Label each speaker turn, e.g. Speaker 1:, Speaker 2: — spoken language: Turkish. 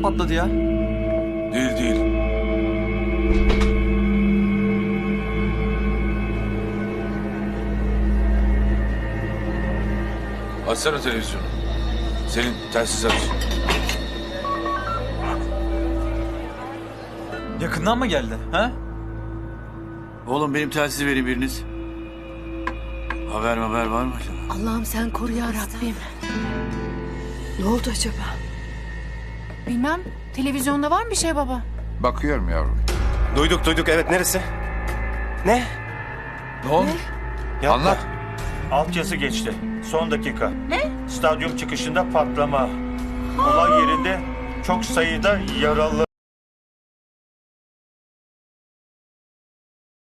Speaker 1: patladı ya.
Speaker 2: Değil değil. Açsana televizyonu. Selin telsiz aç.
Speaker 1: Yakından mı geldi? Ha?
Speaker 3: Oğlum benim telsizi verin biriniz. Haber var mı acaba?
Speaker 4: Allah'ım sen koru ya Rabbim. Ne oldu acaba?
Speaker 5: Bilmem. Televizyonda var mı bir şey baba?
Speaker 6: Bakıyorum yavrum.
Speaker 7: Duyduk evet neresi? Ne?
Speaker 6: Ne olmuş?
Speaker 7: Yapma.
Speaker 6: Anlat.
Speaker 8: Altyazı geçti. Son dakika. Ne? Stadyum çıkışında patlama. Olay yerinde çok sayıda yaralı.